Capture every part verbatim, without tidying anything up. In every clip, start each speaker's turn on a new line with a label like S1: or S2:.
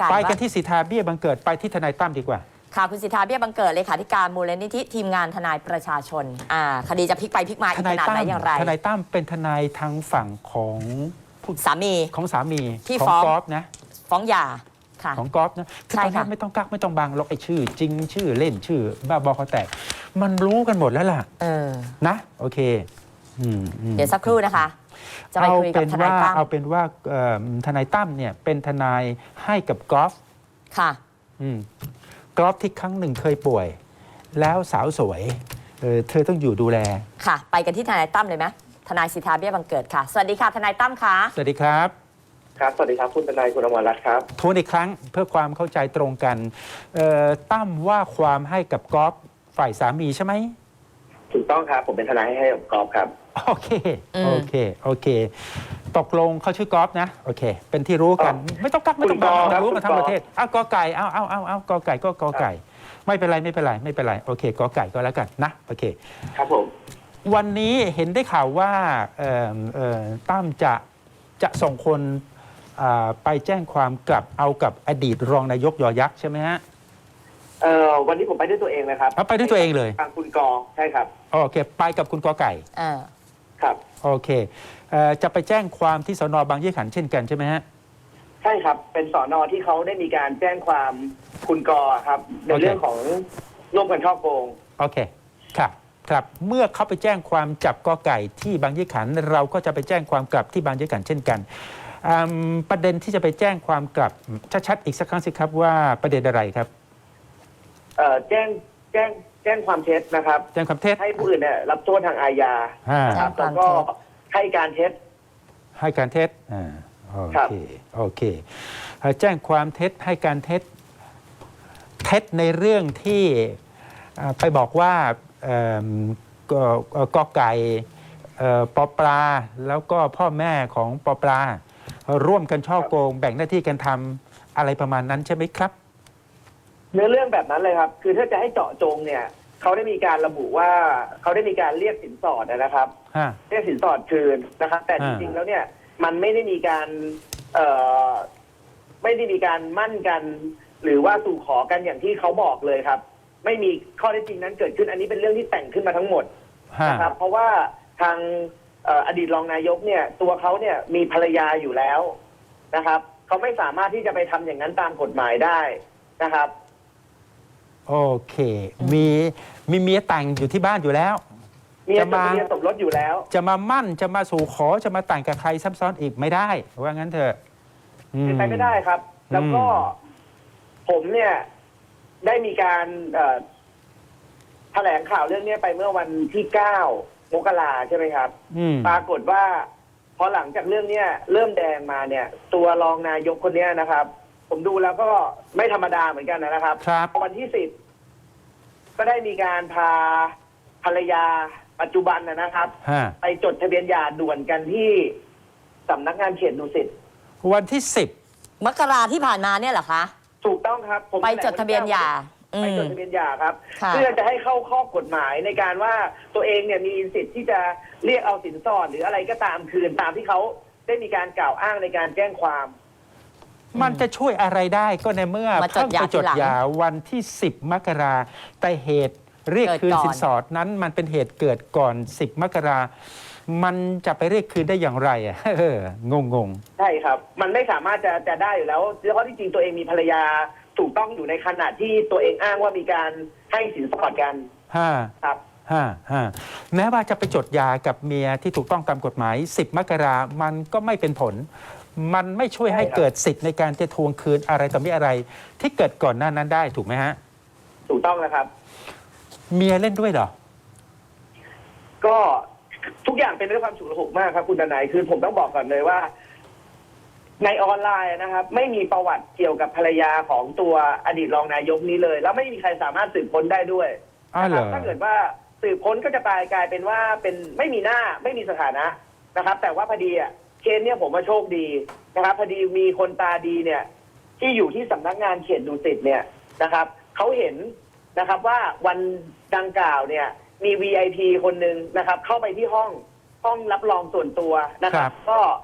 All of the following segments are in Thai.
S1: กัน
S2: ไปกันที่สิทธาเบี้ยบังเกิดไปที่ทนายตั้มดีกว่า
S1: ค่ะคุณสิทธาเบี้ยบังเกิดเลขาธิการมูลนิธิทีมงานทนายประชาชนอ่าคดีจะพลิกไปพลิกมาอีกขนาดไหนอย่างไร
S2: ทนายตั้มเป็นทนายทางฝั่งของ
S1: สามี
S2: ของสามี
S1: ที่
S2: ฟ้องกอล์ฟนะ
S1: ฟ้องหย่า
S2: ของกอล์ฟนะคือตอนนี้ไม่ต้องกักไม่ต้องบังหรอกไอ้ชื่อจริงชื่อเล่นชื่อบ้าบอเขาแตกมันรู้กันหมดแล้วล่ะ
S1: เออ
S2: นะโอเค
S1: เดี๋ยวสักครู่นะคะจะไปคุยกับทนายตั้ม
S2: เอาเป็นว่าทนายตั้มเนี่ยเป็นทนายให้กับกอล์ฟ
S1: ค่ะ
S2: กอล์ฟที่ครั้งหนึ่งเคยป่วยแล้วสาวสวยเออเธอต้องอยู่ดูแล
S1: ค่ะไปกันที่ทนายตั้มเลยไหมทนายสิทธาเบี้ยบังเกิดค่ะสวัสดีค่ะทนายตั้มค่ะ
S2: สวัสดีครับ
S3: ครับสวัสดีครับคุณทนายคุณอมรรัตน์ครับ
S2: ทวนอีกครั้งเพื่อความเข้าใจตรงกันตั้มว่าความให้กับกอล์ฟฝ่ายสามีใช่ไหม
S3: ถูกต้องครับผมเป็นทนายให้กับกอล์ฟครับ
S2: โอเคโอเคโอเคตกลงเขาชื่อกอล์ฟนะโอเคเป็นที่รู้กันไม่ต้องกักไม่ต้องบังรู้มาทั้งประเทศอ้าวกอไก่อ้าวอ้าวอ้าวอ้าวกอไก่ก็กอไก่ไม่เป็นไรไม่เป็นไรไม่เป็นไรโอเคกอไก่ก็แล้วกันนะโอเค
S3: ครับผม
S2: วันนี้เห็นได้ข่าวว่าตั้มจะจะส่งคนไปแจ้งความกลับเอากับอดีตรองนายกยอยักษ์ใช่ไหมฮะ
S3: เอ่อวันนี้ผมไปด้วยตัวเองเลยครับ
S2: ไปด้วยตัวเองเลย
S3: ทางคุณกอใช่ครับ
S2: โอเคไปกับคุณกอไก่
S1: อ่า
S3: ครับ
S2: โอเคจะไปแจ้งความที่สน.บางยี่ขันเช่นกันใช่ไหมฮะ
S3: ใช่ครับเป็นสน.ที่เขาได้มีการแจ้งความคุณกอครับในเรื่องของร่วมกันฉ้อโกง
S2: โอเคครับครับเมื่อเขาไปแจ้งความจับกอไก่ที่บางยี่ขันเราก็จะไปแจ้งความกลับที่บางยี่ขันเช่นกันประเด็นที่จะไปแจ้งความกลับชัดๆอีกสักครั้งสิครับว่าประเด็นอะไรครับ
S3: เอ่อแจ้งแจ้งแจ้งความเท็จนะครับ
S2: แจ้งความเท็จ
S3: ให้ผู้อื่นเนี่ยรับโทษทางอาญาครับแล้วก็ให้การเท็จ
S2: ให้การเท็จอ่าโอเคโอเคแจ้งความเท็จให้การเท็จเท็จในเรื่องที่ไปบอกว่ากอไก่ปอปลาแล้วก็พ่อแม่ของปอปลาร่วมกันช่อโกงแบ่งหน้าที่กันทำอะไรประมาณนั้นใช่ไหมครับ
S3: เนื้อเรื่องแบบนั้นเลยครับคือถ้าจะให้เจาะจงเนี่ยเขาได้มีการระบุว่าเขาได้มีการเรียกสินสอดนะครับเรียกสินสอดคืนนะครับแต่จริงๆแล้วเนี่ยมันไม่ได้มีการเอ่อไม่ได้มีการมั่นกันหรือว่าสู่ขอกันอย่างที่เขาบอกเลยครับไม่มีข้อเท็จจริงนั้นเกิดขึ้นอันนี้เป็นเรื่องที่แต่งขึ้นมาทั้งหมดนะครับเพราะว่าทางอดีตรองนายกเนี่ยตัวเขาเนี่ยมีภรรยาอยู่แล้วนะครับเขาไม่สามารถที่จะไปทำอย่างนั้นตามกฎหมายได้นะครับ
S2: โอเคมีมีเมียแต่งอยู่ที่บ้านอยู่แล้ว
S3: เมียจะมาสมรสอยู่แล้ว
S2: จะมามั่นจะมาสู่ขอจะมาแต่งกับใครซับซ้อนอีกไม่ได้ว่างั้นเถอะ
S3: เป็นไปไม่ได้ครับแล้วก็ผมเนี่ยได้มีการแถลงข่าวเรื่องนี้ไปเมื่อวันที่เก้ามกราใช่ไหมครับปรากฏว่าพอหลังจากเรื่องนี้เริ่มแดงมาเนี่ยตัวรองนายกคนนี้นะครับผมดูแล้วก็ไม่ธรรมดาเหมือนกันนะครับวันที่สิบก็ได้มีการพาภรรยาปัจจุบันนะครับไปจดทะเบียนหย่าด่วนกันที่สำนักงานเขตดุสิต
S2: วันที่สิบ
S1: มกราที่ผ่านมาเนี่ยเหรอคะ
S3: ถูกต้องครับ
S1: ผมไปจดทะเบียนหย่า
S3: ไปจดทะเบียนหย่าครับเพื่อจะให้เข้าข้อกฎหมายในการว่าตัวเองเนี่ยมีสิทธิ์ที่จะเรียกเอาสินสอดหรืออะไรก็ตามคืนตามที่เขาได้มีการกล่าวอ้างในการแจ้งความ
S2: มันจะช่วยอะไรได้ก็ในเมื่อเพิ่งไปจดหย่าวันที่สิบมกราแต่เหตุเรียกคืนสินสอดนั้นมันเป็นเหตุเกิดก่อนสิบมกรามันจะไปเรียกคืนได้อย่างไรอ่ะงงง
S3: ใช่ครับมันไม่สามารถจะจะได้อยู่แล้วเพราะที่จริงตัวเองมีภรรยาถูกต้องอยู่ในขณะที่ตัวเองอ้างว่ามีการให้สินสอดกัน
S2: ฮ่า
S3: ครับ
S2: ฮ่าฮ่าแม้ว่าจะไปจดหย่ากับเมียที่ถูกต้องตามกฎหมายสิบมกรามันก็ไม่เป็นผลมันไม่ช่วยให้เกิดสิทธิ์ในการจะทวงคืนอะไรต่อมีอะไรที่เกิดก่อนหน้านั้นได้ถูกไหมฮะ
S3: ถูกต้องแล้วครับ
S2: เมียเล่นด้วยเหรอ
S3: ก็ทุกอย่างเป็นด้วยความฉุกละหุกมากครับคุณทนายคือผมต้องบอกก่อนเลยว่าในออนไลน์นะครับไม่มีประวัติเกี่ยวกับภรรยาของตัวอดีตรองนายกนี้เลยแล้วไม่มีใครสามารถสืบค้นได้ด้วยนะครับถ้าเกิดว่าสืบค้นก็จะกลายกลายเป็นว่าเป็นไม่มีหน้าไม่มีสถานะนะครับแต่ว่าพอดีอ่ะเคสเนี่ยผมว่าโชคดีนะครับพอดีมีคนตาดีเนี่ยที่อยู่ที่สำนักงานเขตดุสิตเนี่ยนะครับเขาเห็นนะครับว่าวันดังกล่าวเนี่ยมี วี ไอ พี คนหนึ่งนะครับเข้าไปที่ห้องห้องรับรองส่วนตัวนะครับก็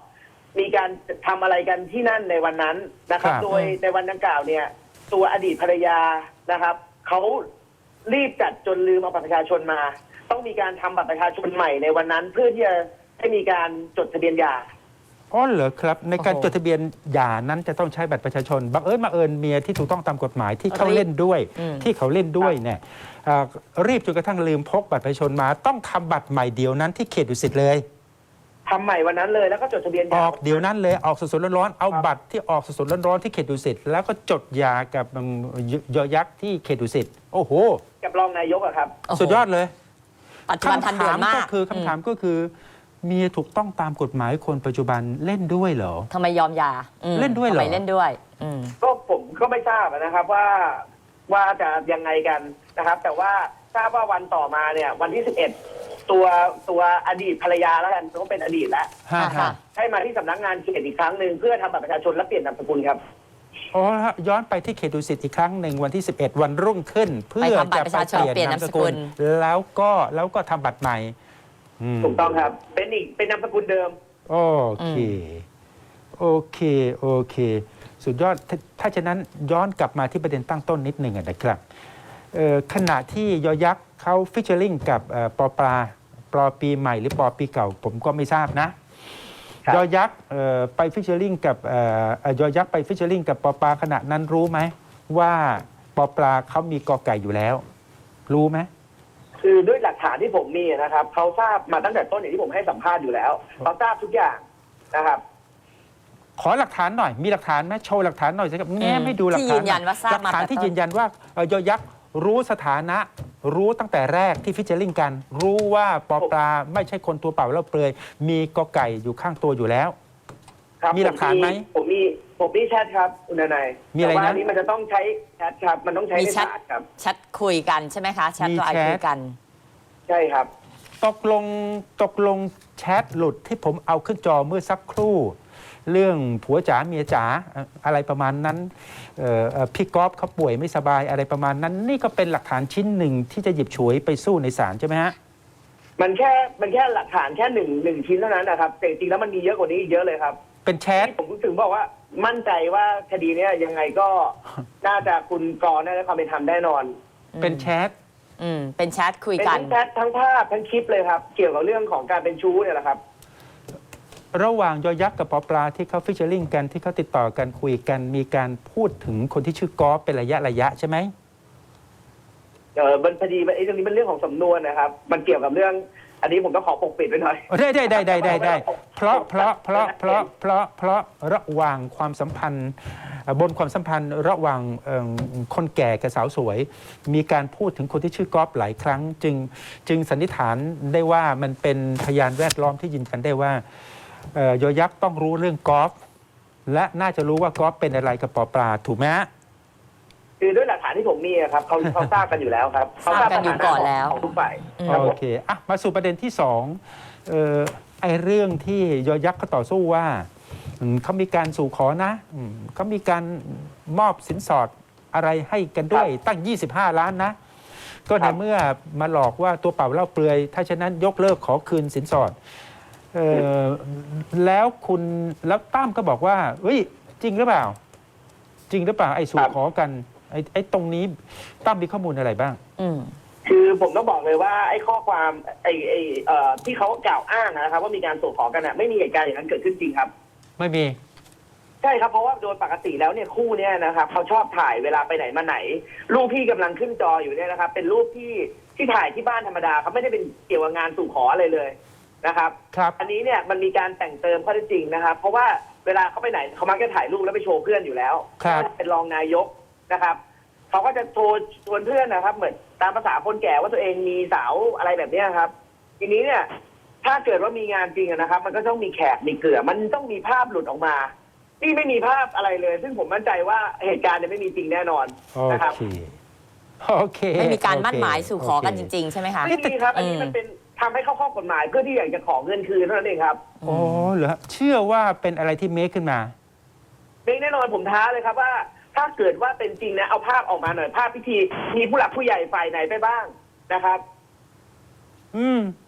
S3: มีการทำอะไรกันที่นั่นในวันนั้นนะครับ
S2: ครับ
S3: โดยในวันดังกล่าวเนี่ยตัวอดีตภรรยานะครับเขารีบจัดจนลืมเอาบัตรประชาชนมา ต้องมีการทำบัตรประชาชนใหม่ในวันนั้น เพื่อที่จะให้มีการจดทะเบียนหย่า
S2: อ๋อเหรอครับ ในการ
S1: โอ้โห
S2: จดทะเบียนหย่านั้นจะต้องใช้บัตรประชาชนบังเอิญมาเอิญเมียที่ถูกต้องตามกฎหมายที่เขา
S1: รีบ
S2: เล่นด้วย
S1: อืม
S2: ที่เขาเล่นด้วยเนี่ยอ่ารีบจนกระทั่งลืมพกบัตรประชาชนมา ต้องทำบัตรใหม่เดียวนั้นที่เขตดุสิตเลย
S3: ทำใหม่วันนั้นเลยแล้วก็จดทะเบียนห
S2: อ
S3: ย่า
S2: อกเดี๋ยวนั้นเลยออกสดๆร้อนๆเอา
S3: ครับ
S2: บัตรที่ออกสดๆร้อนๆที่เขตดุสิตแล้วก็จดหย่ากับอืมยยอยักษ์ที่เขตดุสิตโอ้โห
S3: กับรองนายกอะครับ
S1: โอ้โห
S2: สุดยอดเลย
S1: ปัจจุบันทันด่วนมาก
S2: ก็คือคำถามก็คือเมียถูกต้องตามกฎหมายคนปัจจุบันเล่นด้วยเหรอ
S1: ทำไมยอมหย่าอืม
S2: เล่นด้วยเหรอ
S1: ทำไมเล่นด้วย อืม
S3: ก็ผมก็ไม่ทราบนะครับว่าว่าจะยังไงกันนะครับ แต่ว่าทราบว่าวันต่อมาเนี่ย วันที่สิบเอ็ดตัวตัวอดีตภรรยาแล้วกันก็เป็นอดีตแล้ว
S2: ฮะ
S1: ค่ะ
S2: ฮะ
S3: ให้มาที่สำนักงานเขตอีกครั้งหนึ่งเพื่อทำบัตรประชาชนและเปลี่ยนนามสกุลครับ
S2: อ๋อย้อนไปที่เขตดุสิตอีกครั้งหนึ่งวันที่ สิบเอ็ด วันรุ่งขึ้น เพื่อ
S1: ไปทำบัตร
S2: จะ
S1: ประชาชนเปลี่ยนนามสกุล
S2: แล้วก็แล้วก็ทำบัตรใหม่อืม
S3: ถูกต้องครับ เป็นอีกเป็นนามสกุลเดิม
S2: โอเคโอเคโอเค สุดยอดถ้าถ้าฉะนั้นย้อนกลับมาที่ประเด็นตั้งต้นนิดหนึ่งอะนะครับเอ่อขณะที่ยอยักษ์เขาฟิชเชอริงกับเอ่อปอปลาปอปีใหม่หรือปอปีเก่า ผมก็ไม่ทราบนะครับ ยอยักษ์เอ่อไปฟิชเชอริงกับเอ่อเอ่อยอยักษ์ไปฟิชเชอริงกับปอปลาขณะนั้นรู้ไหมว่าปอปลาเขามีกอไก่อยู่แล้ว รู้ไหม
S3: คือด้วยหลักฐานที่ผมมีนะครับเขาทราบมาตั้งแต่ต้นอย่างที่ผมให้สัมภาษณ์อยู่แล้วเขาทราบทุกอย่างนะครับ
S2: ขอหลักฐานหน่อยมีหลักฐานไหมโชว์หลักฐานหน่อยสิครับแง้มให้ดูหลัก
S1: ที่
S2: ฐาน
S1: ยืนยันว่าทราบ
S2: หลัก
S1: มา
S2: ฐาน
S1: แต่
S2: ที่
S1: ต้น
S2: ยืนยันว่าเอ่อยอยักษ์รู้สถานะ รู้ตั้งแต่แรกที่ฟิชเชอริงกัน รู้ว่าปอปลาไม่ใช่คนตัวเปล่าแล้วเปลือยมีกอไก่อยู่ข้างตัวอยู่แล้ว
S3: ครับ
S2: มีหลักฐานไหม
S3: ผมมีผมมีแชทครับคุณนาย
S2: มีอะไรนะ
S3: แต่ว่าอันนี้มันจะต้องใช้แชทครับ มันต้องใช้
S1: มี
S3: ใน
S1: แชท
S3: ศาลครับ
S1: แชทคุยกันใช่ไหมคะแชท
S2: มี
S1: ไลน์
S2: แชท
S1: คุยกัน
S3: ใช่ครับ
S2: ตกลงตกลงแชทหลุดที่ผมเอาขึ้นจอเมื่อสักครู่ เรื่องผัวจ๋าเมียจ๋าเอ่ออะไรประมาณนั้นเอ่อเอ่อพี่ก๊อฟเขาป่วยไม่สบายอะไรประมาณนั้น นี่ก็เป็นหลักฐานชิ้นหนึ่งที่จะหยิบฉวยไปสู้ในศาลใช่ไหมฮะ
S3: มันแค่มันแค่หลักฐานแค่หนึ่งหนึ่งชิ้นเท่านั้นนะครับแต่จริงๆแล้วมันมีเยอะกว่านี้อีกเยอะเลยครับ
S2: เป็นแชท
S3: ที่ผมถึงบอกว่ามั่นใจว่าคดีเนี้ยยังไงก็ น่าจะคุณกรณ์ได้ความเป็นธรรมแน่นอน
S2: เป็นแชท
S1: อืมเป็นแชทคุย
S3: เป็น
S1: กัน
S3: ทั้งแชททั้งภาพทั้งคลิปเลยครับ เกี่ยวกับเรื่องของการเป็นชู้เนี่ยแหละครับ
S2: ระหว่างยอยักษ์กับปอปลาที่เขาฟิชเชอริงกันที่เขาติดต่อกันคุยกันมีการพูดถึงคนที่ชื่อกอฟเป็นระยะระยะใช่ไหม
S3: เออมันพอดีมันไอ้ตรงนี้เป็นเรื่องของสำนวนนะครับ มันเกี่ยวกับเรื่อง อันนี้ผมก็ขอปกปิดไว้หน่อย
S2: ได้ได้ได้ได้ได้ได้เพราะเพราะเพราะเพราะเพราะเพราะระหว่างความสัมพันธ์เอ่อบนความสัมพันธ์ระหว่างเอิ่มคนแก่กับสาวสวย มีการพูดถึงคนที่ชื่อกอฟหลายครั้ง จึงจึงสันนิษฐานได้ว่ามันเป็นพยานแวดล้อมที่ยืนยันได้ว่าเอ่อยอยักษ์ต้องรู้เรื่องกอล์ฟและน่าจะรู้ว่ากอล์ฟเป็นอะไรกับปอปลาถูกไหมฮะ
S3: คือด้วยหลักฐานที่ผมมีอะครับเขาเขาทราบกันอยู่แล้วครับเขา
S1: ทราบกันอยู่ก่อนแล้ว
S3: ของทุกฝ่าย
S1: อืม
S3: ครับ
S2: โอ
S3: ผม
S2: เคอ่ะมาสู่ประเด็นที่สองเอ่อไอ้เรื่องที่ยอยักษ์เขาต่อสู้ว่าอืมเขามีการสู่ขอนะอืมเขามีการมอบสินสอดอะไรให้กันด้วยตั้ง ยี่สิบห้า ล้านนะ ก็ในเมื่อมาหลอกว่าตัวเปล่าเล่าเปลือย ถ้าฉะนั้นยกเลิกขอคืนสินสอดเออแล้วคุณแล้วตั้มก็บอกว่าเฮ้ยจริงหรือเปล่า จริงหรือเปล่าไอ้สู่ขอกันไอ้ไอ้ตรงนี้ตั้มมีข้อมูลอะไรบ้าง
S1: อืม
S3: คือผมต้องบอกเลยว่าไอ้ข้อความไอ้ไอ้เอ่อที่เขากล่าวอ้างนะครับ ว่ามีการส่งของกันน่ะไม่มีเหตุการณ์อย่างนั้นเกิดขึ้นจริงครับ
S2: ไม่มี
S3: ใช่ครับเพราะว่าโดยปกติแล้วเนี่ยคู่เนี้ยนะครับเขาชอบถ่ายเวลาไปไหนมาไหน รูปที่กำลังขึ้นจออยู่เนี่ยนะครับ เป็นรูปที่ที่ถ่ายที่บ้านธรรมดาเขาไม่ได้เป็นเกี่ยวกับงานสู่ขออะไรเลยนะครับ
S2: ครับ
S3: อันนี้เนี่ยมันมีการแต่งเติมข้อเท็จจริงนะครับ เพราะว่าเวลาเขาไปไหนเขามักจะถ่ายรูปแล้วไปโชว์เพื่อนอยู่แล้ว
S2: ครับ
S3: เป็นรองนายกนะครับเขาก็จะโทรชวนเพื่อนนะครับ เหมือนตามภาษาคนแก่ว่าตัวเองมีสาวอะไรแบบเนี้ยครับ ทีนี้เนี่ยถ้าเกิดว่ามีงานจริงอะนะครับ มันก็ต้องมีแขกมีเกลือมันต้องมีภาพหลุดออกมานี่ไม่มีภาพอะไรเลย ซึ่งผมมั่นใจว่าเหตุการณ์เนี่ยไม่มีจริงแน่นอน
S2: โอ
S3: นะครับ
S2: เคโอเค
S1: ไม่มีการมั่นหมาย
S2: โเค
S1: สู่ขอกันจริง ๆ ใช่ไหมคะ
S3: ไม่มีครับ อันนี้
S1: อืม
S3: มันเป็นทำให้เข้าข้อกฎหมายเพื่อที่อยากจะขอเงินคืนเท่านั้นเองครับ
S2: ๆอ๋อเหรอเชื่อว่าเป็นอะไรที่เมคขึ้นมา
S3: ไม่แน่นอนผมท้าเลยครับว่า ถ้าเกิดว่าเป็นจริงนะเอาภาพออกมาหน่อยภาพพิธีมีผู้หลักผู้ใหญ่ฝ่ายไหนไปบ้างนะครับ
S2: อืม อ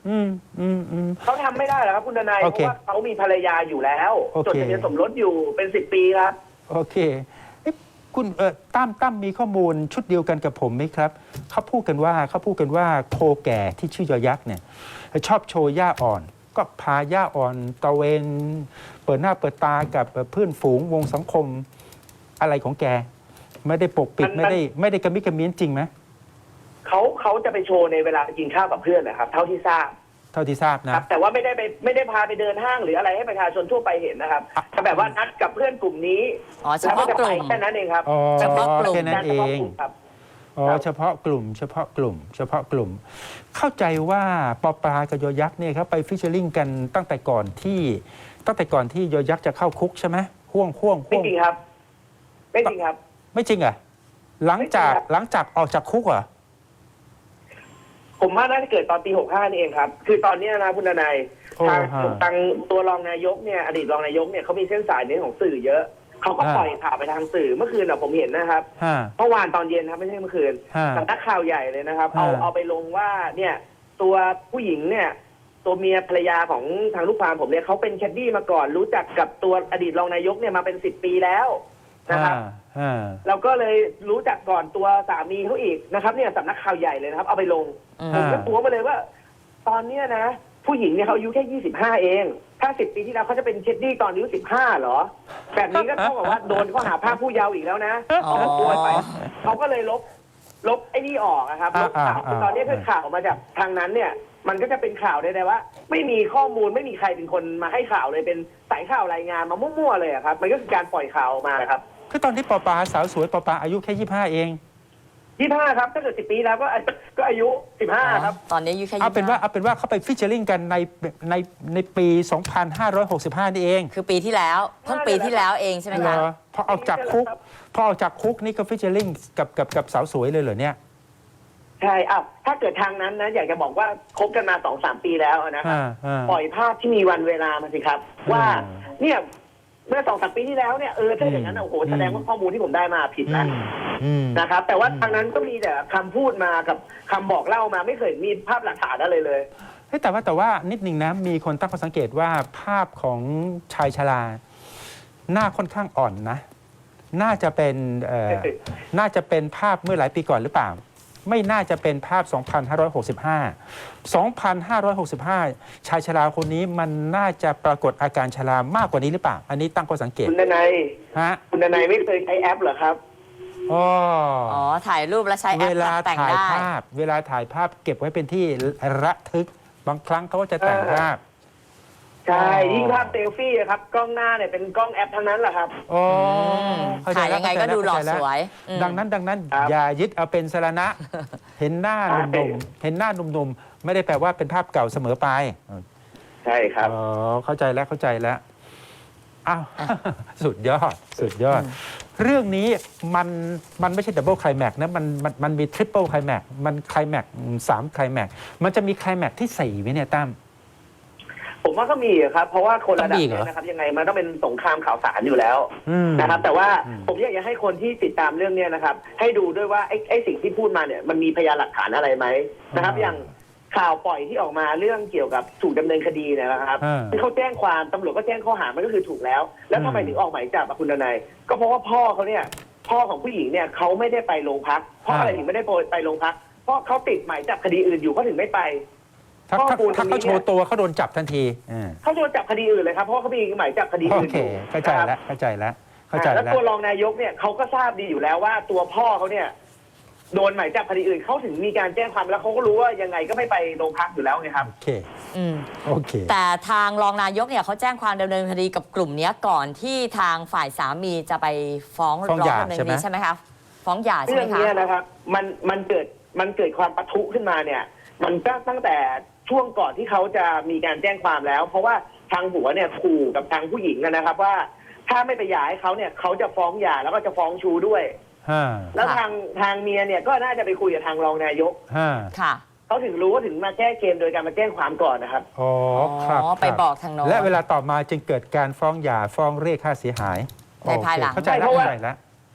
S2: อืมอืมอืม
S3: เขาทำไม่ได้หรอกครับคุณทนาย
S2: โอ
S3: เพ
S2: เค
S3: ราะว่าเขามีภรรยาอยู่แล้ว
S2: โอเค
S3: จดทะเบียนสมรสอยู่เป็นสิบปีครับ
S2: โอเคเอ๊ะคุณเออตั้มตั้มมีข้อมูลชุดเดียวกันกับผมไหมครับเขาพูดกันว่าเขาพูดกันว่าโคแก่ที่ชื่อยอยักษ์เนี่ยชอบโชว์หญ้าอ่อน ก็พาหญ้าอ่อนตะเวนเปิดหน้าเปิดตากับเพื่อนฝูงวงสังคมอะไรของแก ไม่ได้ปกปิด
S3: มัน
S2: ไม่ได้ไม่ได้กระมิดกระเมี้ยนจริงไหม
S3: เขาเขาจะไปโชว์ในเวลาไปกินข้าวกับเพื่อนนะครับ เท่าที่ทราบ
S2: เท่าที่ทราบ
S3: ค
S2: นะ
S3: รับ แต่ว่าไม่ได้ไปไม่ได้พาไปเดินห้างหรืออะไรให้ประชาชนทั่วไปเห็นนะครับ
S2: อ่ะ
S3: แต่แบบว่านัดกับเพื่อนกลุ่มนี้
S1: อ๋อเฉ
S3: แล้ว
S1: พาะ
S3: ก็จะ
S1: ก
S3: ไป
S1: ลุ่ม
S3: แค่นั้นเองครับ
S2: อ๋อ
S1: เฉพาะกลุ่ม
S2: แค่นั้นเอ
S3: ฉพาะ
S2: ง
S3: กลุ่มครับ
S2: อ๋อ
S3: ครับ
S2: เฉพาะกลุ่ม เฉพาะกลุ่ม เฉพาะกลุ่ม เข้าใจว่าปอปลากับยอยักษ์เนี่ยเขาไปฟิชเชอร์ลิงกันตั้งแต่ก่อนที่ตั้งแต่ก่อนที่ยอยักษ์จะเข้าคุกใช่ไหมห่วงห่วง
S3: ไม่
S2: ห่วง
S3: จริงครับ ไม่จริงครับ
S2: ไม่จริงเหรอ่ะหลังจาก
S3: ไม่จริงครับ
S2: หลังจากออกจากคุกเหรอ
S3: ผมว่าน่าจะเกิดตอนปีหกห้านี่เองครับ คือตอนเนี้ยนะคุณทนาย
S2: โอ้
S3: ทาง
S2: ฮะ
S3: ทางตัวรองนายกเนี่ยอดีตรองนายกเนี่ยเขามีเส้นสายในเรื่องของสื่อเยอะเขาก็
S2: อ่า
S3: ปล่อยข่าวไปทางสื่อเมื่อคืนอะผมเห็นนะครับ
S2: ฮะ
S3: เมื่อวานตอนเย็นครับไม่ใช่เมื่อคืน
S2: ฮะ
S3: สำนักข่าวใหญ่เลยนะครับ เอา
S2: ฮะ
S3: เอาไปลงว่าเนี่ย ตัวผู้หญิงเนี่ย ตัวเมียภรรยาของทางลูกความผมเนี่ยเขาเป็นแคดดี้มาก่อน รู้จักกับตัวอดีตรองนายกเนี่ยมาเป็นสิบปีแล้วนะครับ
S2: ฮะ
S3: เราก็เลยรู้จักก่อนตัวสามีเขาอีกนะครับ เนี่ยสำนักข่าวใหญ่เลยนะครับ เอาไปลง
S1: อืม
S3: ผมก็ตัวมาเลยว่า ตอนเนี้ยนะ ผู้หญิงเนี่ยเขาอายุแค่ยี่สิบห้าเอง ถ้าสิบปีที่แล้วเขาจะเป็นเคดดี้ตอนอายุสิบห้าเหรอ แบบนี้ก็เท่ากับว่าโดนข้อหาพรากผู้เยาว์อีกแล้วนะ
S1: อ๋อ
S3: เขาก็กลัวไปเขาก็เลยลบ ลบไอ้นี่ออกนะครับลบข่าวคือตอนนี้คือข่าวมาจากทางนั้นเนี่ย มันก็จะเป็นข่าวได้ๆว่า ไม่มีข้อมูลไม่มีใครเป็นคนมาให้ข่าวเลยเป็นสายข่าวรายงานมามั่วๆเลยอะครับ มันก็คือการปล่อยข่าวออกมานะครับ
S2: คือตอนที่ปอปลาสาวสวยปอปลาอายุแค่ยี่ห้าเอง
S3: ยี่ห้าครับถ้าเกิดสิบปีแล้วก็ก็อายุสิบห้าครับ
S1: ตอนนี้อายุแค่
S2: เอาเป็นว่า
S1: ยี่สิบห้
S2: เอาเป็นว่าเขาไปฟิชเชอร์ลิงกันในในในปี สองพันห้าร้อยหกสิบห้า นี่เอง
S1: คือปีที่แล้วเพิ่งปีที่แล้วเองใช่ไหม
S2: เหร
S1: คะ
S2: อพอออกจากคุกพอออกจากคุกนี่ก็ฟิชเชอร์ลิงกับกับกับสาวสวยเลยเหรอเนี่ย
S3: ใช่อ้าวถ้าเกิดทางนั้นนะอยากจะบอกว่าคบกันมาสองสามปีแล้วนะครับ
S2: อ่าอ่า
S3: ปล่อยภาพที่มีวันเวลามาสิครับ ว่า
S2: อืม
S3: เนี่ยเมื่อสองสามปีที่แล้วเนี่ยเออถ้าอย่างนั้นน่ะโอ้โห
S2: อืม
S3: แสดงว่าข้อมูลที่ผมได้มาผิด
S2: อื
S3: แล้ว
S2: มอืม
S3: นะครับ แต่ว่า
S2: อืม
S3: ทางนั้นก็มีแต่คำพูดมากับคำบอกเล่ามาไม่เคยมีภาพหลักฐานอะไรเลย
S2: เฮ้ยแต่ว่าแต่ว่านิดนึงนะ มีคนตั้งข้อสังเกตว่าภาพของชายชราหน้าค่อนข้างอ่อนนะ น่าจะเป็นเอ่อ น่าจะเป็นภาพเมื่อหลายปีก่อนหรือเปล่า ไม่น่าจะเป็นภาพ สองพันห้าร้อยหกสิบห้า สองพันห้าร้อยหกสิบห้า ชายชราคนนี้มันน่าจะปรากฏอาการชรามากกว่านี้หรือเปล่า อันนี้ตั้งข้อสังเกต
S3: คุณดนัย
S2: ฮะ
S3: คุณดนัยไม่เคยใช้แอปเหรอครับ
S2: อ๋อ
S1: อ๋อ ถ่ายรูปแล้วใช้แอ
S2: เว
S1: ป
S2: ลา
S1: แต่ง
S2: ถ่าย
S1: ได้
S2: ภาพ เวลาถ่ายภาพเก็บไว้เป็นที่ระทึก บางครั้งเขาก็จะแต่งภาพ
S3: ใช่
S2: อ๋อ
S3: ยิ่งภาพเซลฟี่อะครับ กล้องหน้าเนี่ยเป็นกล้องแอปทั้งนั้นแหละครับ
S2: อ๋อ
S1: ม
S2: เข้ใจ
S1: ถ่าย
S2: แล้
S1: ยังไง
S2: เข้าใจ
S1: ก็ดูหล่อ
S2: เข้าใจแ
S1: สวยอืม
S2: ดังนั้นดังนั้น
S3: ครับ
S2: อย่ายึดเอาเป็นสรณะ เห็นหน้าห
S3: ใช่
S2: นุ่มๆเห็นหน้าหนุ่มๆไม่ได้แปลว่าเป็นภาพเก่าเสมอไป
S3: ใช่ครับ
S2: อ๋อเข้าใจแล้วเข้าใจแล้วอ้าว สุดยอด สุดยอด เรื่องนี้มันมันไม่ใช่ดับเบิลไคลแม็กนะมันมันมันมีทริปเปิลไคลแม็กมันไคลแม็กสามไคลแม็กมันจะมีไคลแม็กที่สี่ไหมเนี่ยตั้ม
S3: ผมว่าก็มีอะครับ เพราะว่าคนระดับ
S2: ต้องมีเหรอ
S3: เนี้นะครับ ยังไงมันต้องเป็นสงครามข่าวสารอยู่แล้ว
S2: อืม
S3: นะครับ แต่ว่า
S2: อืม
S3: ผมอยากจะให้คนที่ติดตามเรื่องเนี้ยนะครับ ให้ดูด้วยว่าไอ้ไอ้สิ่งที่พูดมาเนี่ยมันมีพยานหลักฐานอะไรไหมนะครับ อย่างข่าวปล่อยที่ออกมาเรื่องเกี่ยวกับถูกดำเนินคดีเนี่ยนะครับ
S2: อ่า
S3: ที่เขาแจ้งความตำรวจก็แจ้งข้อหามันก็คือถูกแล้ว แล้วทำไม
S2: อืม
S3: ถึงออกหมายจับอะคุณดนัยก็เพราะว่าพ่อเขาเนี่ย พ่อของผู้หญิงเนี่ยเขาไม่ได้ไปโรงพักเพราะอะไรถึงไม่ได้ไปโรงพักเพราะเขาติดหมายจับคดีอื่นอยู่เขาถึงไม่ไป
S2: ถ้า
S3: ข้อ
S2: ถ้า
S3: มูล
S2: ถ้า
S3: ตรงนี้
S2: เขาโชว์ตัวเขาโดนจับทันทีอ่า
S3: เขาโดนจับคดีอื่นเลยครับเพราะเขามีหมายจับคดี
S2: โอ
S3: อื่น
S2: เค
S3: อยู่
S2: เข้าใจ
S3: นะครับ
S2: แล้วเข้าใจแล้วเข้าใจ
S3: อ่า
S2: แล้
S3: แล้ว วตัวรองนายกเนี่ยเขาก็ทราบดีอยู่แล้วว่าตัวพ่อเขาเนี่ยโดนหมายจับคดีอื่นเขาถึงมีการแจ้งความแล้วเขาก็รู้ว่ายังไงก็ไม่ไปโรงพักอยู่แล้วไงครับ
S2: โอเค
S1: อืม
S2: โอเค
S1: แต่ทางรองนายกเนี่ยเขาแจ้งความดำเนินคดีกับกลุ่มเนี้ยก่อนที่ทางฝ่ายสามีจะไปฟ้อง
S2: ฟ้อง
S1: ร้
S2: ห
S1: อง
S2: ย่า
S1: ดำเนิน
S2: ใช่
S1: ค
S2: ไหม
S1: ดีใช่ไหมคะฟ้องหย่าใช่
S3: เรื่
S1: ไห
S3: อ
S1: ม
S3: ง
S1: คะ
S3: เนี้ยนะครับ มันมันเกิดมันเกิดความปะทุขึ้นมาเนี่ย มันก็ตั้งแต่ช่วงก่อนที่เขาจะมีการแจ้งความแล้ว เพราะว่าทางผัวเนี่ยขู่กับทางผู้หญิงนะครับ ว่าถ้าไม่ไปหย่าให้เขาเนี่ยเขาจะฟ้องหย่าแล้วก็จะฟ้องชูด้วย
S2: ห้า
S3: แล้วทางทางเมียเนี่ยก็น่าจะไปคุยกับทางรองนายก
S2: ห้า
S1: ค่ะ
S3: เขาถึงรู้ว่าถึงมาแก้เกมโดยการมาแจ้งความก่อนนะครับ
S2: อ๋อครับ
S1: อ๋อไป
S2: ครับ
S1: บอกทางโน้น
S2: และเวลาต่อมาจึงเกิดการฟ้องหย่าฟ้องเรียกค่าเสียหาย
S1: ในภายหลัง
S2: โอเคเข้าใจแล้ว
S3: เพราะว่า
S2: เข้าใจแล้ว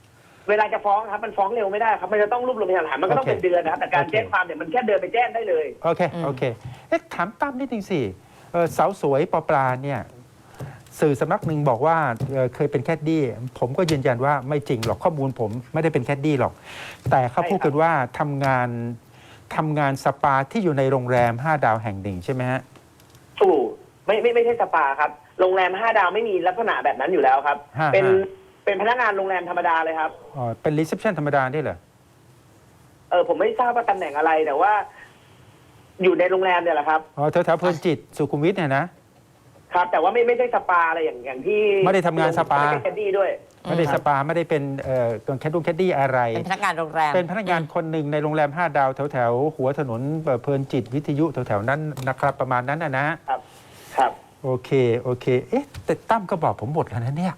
S3: เวลาจะฟ้องครับมันฟ้องเร็วไม่ได้ครับมันจะต้องรวบรวมพยานหลักฐานมันก็ต้อง
S2: โอเค
S3: เป็นเดือนนะครับแต่การ
S2: โอเค
S3: แจ้งความเนี่ยมันแค่เดินไปแจ้งได้เลย
S2: โอเค โอเค เอ๊ะ ถามตั้มนิดนึงสิเอ่อสาวสวยปอปลาเนี่ย สื่อสำนักหนึ่งบอกว่าเอ่อเคยเป็นแคดดี้ ผมก็ยืนยันว่าไม่จริงหรอก ข้อมูลผมไม่ได้เป็นแคดดี้หรอก แต่เขาพูดกันว่าทำงานทำงานสปาที่อยู่ในโรงแรมห้าดาวแห่งหนึ่งใช่ไหมฮะ
S3: ถูกไม่ไม่ไม่ใช่สปาครับโรงแรมห้าดาวไม่มีลักษณะแบบนั้นอยู่แล้วครับ
S2: ฮะ
S3: เป็น
S2: ฮะ
S3: เป็นพนักงานโรงแรมธรรมดาเลยครับ
S2: อ๋อ เป็นรีเซพชันธรรมดาได้เหรอ
S3: เออผมไม่ทราบว่าตำแหน่งอะไรแต่ว่า อยู่ในโรงแรมเนี่ยแหละครับ
S2: อ๋อ แถวๆเพลินจิต สุขุมวิทเนี่ยนะ
S3: ครับ แต่ว่าไม่ไม่ใช่สปาอะไรอย่างอย่างที่
S2: ไม่ได้ทำงานสปา
S3: ไม่ได้เป็นแคดดี้ด้วย
S2: ไม่ได้สปา ไม่ได้เป็นเอ่อแคดดุงแคดดี้อะไร
S1: เป็นพนักงานโรงแรม
S2: เป็นพนักงานคนหนึ่งในโรงแรมห้าดาวแถวแถวๆหัวถนนเพลินจิตวิทยุแถวแถวๆนั้นนะครับ ประมาณนั้นนะนะ
S3: ครับ ครับ
S2: โอเค โอเค เอ๊ะ แต่ตั้มก็บอกผมหมดแล้วนะเนี่ย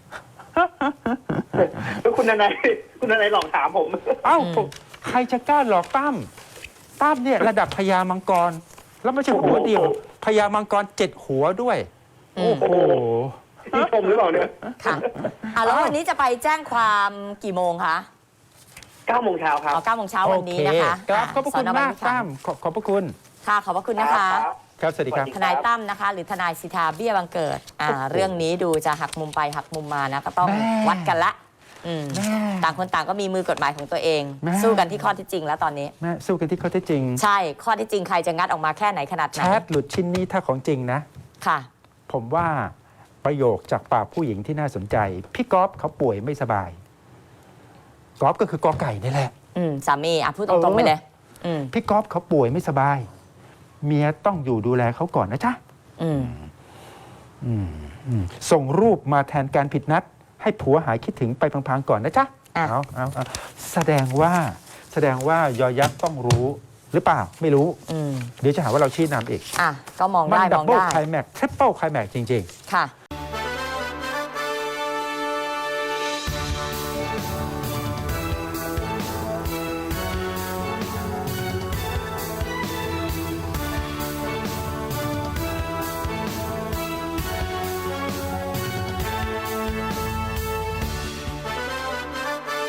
S3: แล้วคุณนายคุณนายหลอกถามผม
S2: เอ้า
S1: อืม
S2: ใครจะกล้าหลอกตั้มตั้มเนี่ยระดับพญามังกร แล้วไม่ใช่หัวเดียวพญามังกรเจ็ดหัวด้วย
S1: อืม
S2: โอ้โห
S3: ที่ชมหรือเปล่าเนี่ย
S1: ค่ะอ่ะแล้ววันนี้จะไปแจ้งความกี่โมงคะ
S3: เก้าโมงเช้าครับ
S1: อ๋อเก้าโมงเช้าวันนี้นะคะ
S2: โอเคครับ ขอบพระคุณ
S1: สน
S2: มาก
S1: วิภ
S2: ตั้มขอขอบพระคุณ
S1: ค่ะขอบพระคุณนะคะ
S2: ครับ สวัสดีครับ
S1: ทนายตั้มนะคะ หรือทนายสิทธาเบี้ยบังเกิดอ่าเรื่องนี้ดูจะหักมุมไปหักมุมมานะก็ต้อง
S2: แม่
S1: วัดกันละอืม
S2: แม่
S1: ต่างคนต่างก็มีมือกฎหมายของตัวเอง
S2: แม่
S1: สู้กันที่ข้อเที่จริงแล้วตอนนี้
S2: แม่สู้กันที่ข้อเท็จจริง
S1: ใช่ข้อเที่จริงใครจะงัดออกมาแค่ไหนขนาดไหน
S2: แชทหลุดชิ้นนี้ถ้าของจริงนะ
S1: ค่ะ
S2: ผมว่าประโยคจากปากผู้หญิงที่น่าสนใจ พี่ก๊อฟเขาป่วยไม่สบายก๊อฟก็คือกอไก่นี่แหละ
S1: อืมสามีอ่ะพูดตรงๆไปเลย อืม
S2: พี่ก๊อฟเขาป่วยไม่สบาย เมียต้องอยู่ดูแลเขาก่อนนะจ๊ะ
S1: อืม
S2: อืมอืมส่งรูปมาแทนการผิดนัด ให้ผัวหายคิดถึงไปพังๆก่อนนะจ๊ะ
S1: อ่ะ
S2: เอาเอาเอาแสดงว่าแสดงว่ายอยักษ์ต้องรู้หรือเปล่าไม่รู้
S1: อืม
S2: เดี๋ยวจะหาว่าเราชี้นำอีก
S1: อ่ะก็มอง
S2: มัน
S1: ได้
S2: ดั
S1: ม
S2: บ
S1: อง
S2: เบิล
S1: ได้
S2: ไคลแม็กซ์ทริปเปิลไคลแม็กซ์จริง
S1: ค่ะ